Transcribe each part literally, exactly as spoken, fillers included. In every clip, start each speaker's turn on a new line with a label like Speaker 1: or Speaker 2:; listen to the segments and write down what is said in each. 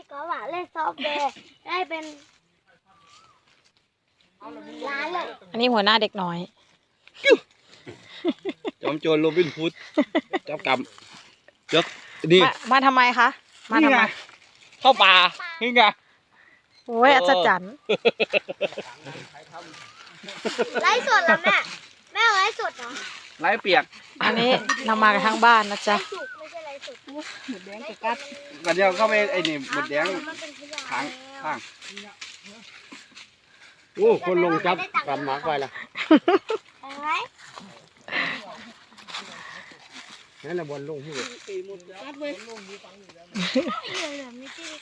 Speaker 1: ก็ว่าเล่นซอฟต์แวร์ได้เป็นล้านเลย
Speaker 2: อันนี้หัวหน้าเด็กน้อย
Speaker 3: จอมโจรโรบินฮูดเจ้ากรรมเจ้านี่
Speaker 2: มามาทำไมคะมาทำไม
Speaker 3: เข้าป่านี่ไง
Speaker 2: โอ้ยอัศจรรย์
Speaker 1: ไลฟ์สดเหรอแม่แม่เอาไลฟ์สดเหรอ
Speaker 3: ไร้เปียก
Speaker 2: อันนี้เรามากันทั้งบ้านนะ
Speaker 1: ไล
Speaker 2: จ๊ะ
Speaker 1: ฟ์สุกไม่ใช่ไลฟ์สด
Speaker 4: หมดแดงกับกัด
Speaker 3: กันเดียวเข้าไปไอ้นี่หมดแดง
Speaker 1: มันเป็นขยะ
Speaker 3: ข้างข้าง
Speaker 5: โอ้คนลงจับกำหมากไว้ละ
Speaker 1: เห็นไหม
Speaker 5: นั่นแหละบอลลงที่
Speaker 4: กัดเว้ย
Speaker 1: เหลือไม่ที่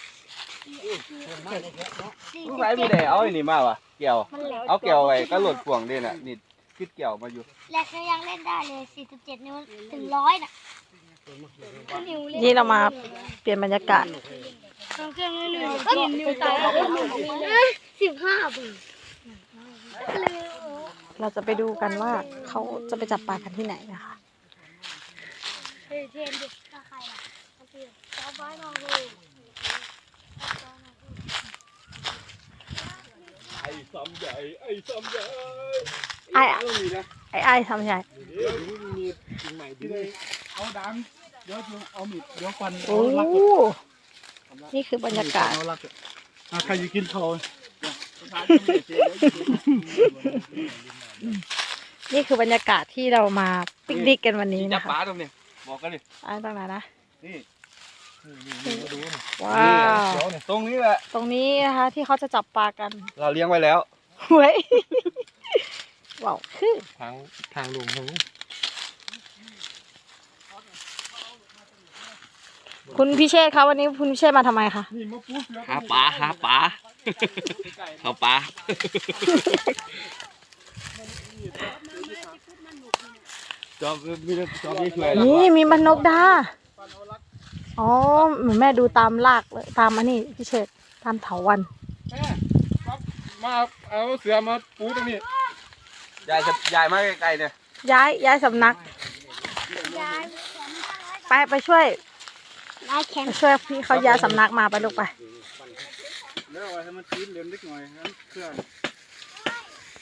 Speaker 1: สี่
Speaker 3: ลู
Speaker 1: สิ
Speaker 3: ก
Speaker 1: บ
Speaker 3: ไรมี
Speaker 1: เจ็ด
Speaker 3: แต่เอาไอ้นี่มาวะเกี่ยว
Speaker 1: มันเหลือ
Speaker 3: เอาเกี่ยวไว้ก็หลุดพ่วงดิน่ะนี่คิดเกี่ยวมาอยู่
Speaker 1: แรกยังเล่นได้เลยสี่สิบเจ็ดนิ้วถึงร้อยน่ะนิ้วเล่น
Speaker 2: นี่เรามาเปลี่ยนบรรยากาศ
Speaker 1: ต้องเครื่องเล่นหนึ่งกินนิ้วตายสิบห้าบาท
Speaker 2: เราจะไปดูกันว่าเขาจะไปจับปลากันที่ไหนนะคะ
Speaker 1: เฮ้ยเทนดิถ้าใครล่ะก็คือจ้าบ้านน้องเลย
Speaker 3: ไอ้ซ้ำใหญ่ไอ้ซ้ำใหญ่
Speaker 2: ไอ้
Speaker 3: ต้องมีนะ
Speaker 2: ไอ้ไอ้ทำใหญ่
Speaker 3: เดี๋ยวมีสิ่งใหม่ที่ได้เอาดังเดี๋ยวเอามีดเดี๋ยวฟัน
Speaker 2: โอ้นี่คือบรรยากาศ
Speaker 3: เอาลักอ่ะใครจะกินเขา
Speaker 2: นี่คือบรรยากาศที่เรามาปิกนิกกันวันนี้
Speaker 3: จั
Speaker 2: นะ
Speaker 3: บ
Speaker 2: คะ
Speaker 3: ปลาตรงนี้บอกกันดิ
Speaker 2: อ่าตรงไหนนะ
Speaker 3: นี่
Speaker 2: ว้าว
Speaker 3: ตรงนี้แหละ
Speaker 2: ตรงนี้นะคะที่เขาจะจับปลากัน
Speaker 3: เราเลี้ยงไว้แล้ว
Speaker 2: เฮ้ยว้าวคือ
Speaker 5: ทางทางลงทางนู้น
Speaker 2: คุณพิเชษคะวันนี้คุณพิเชษมาทำไมคะ
Speaker 3: หาปลาหาปลาเขาปลาจอบมีจอบนี่ช่วยแล้ว
Speaker 2: นี่มีมันนกดาอ๋อเหมือนแม่ดูตามลากเลยตามอันนี้พิเชษตามเถาวัน
Speaker 5: มาเอาเสือมาปูตรงนี้
Speaker 3: ยายจะยายมาไกลๆเนี่ย
Speaker 2: ย้ายย้ายสำนัก
Speaker 1: ย้าย
Speaker 2: ไปไปช่วย
Speaker 1: ย้ายแขน
Speaker 2: ไปช่วยพี่เขาย้ายสำนักมาไปลูกไป
Speaker 5: แล้วให้มันชื้นเร็วนิดหน่อยงั้นเพื่อน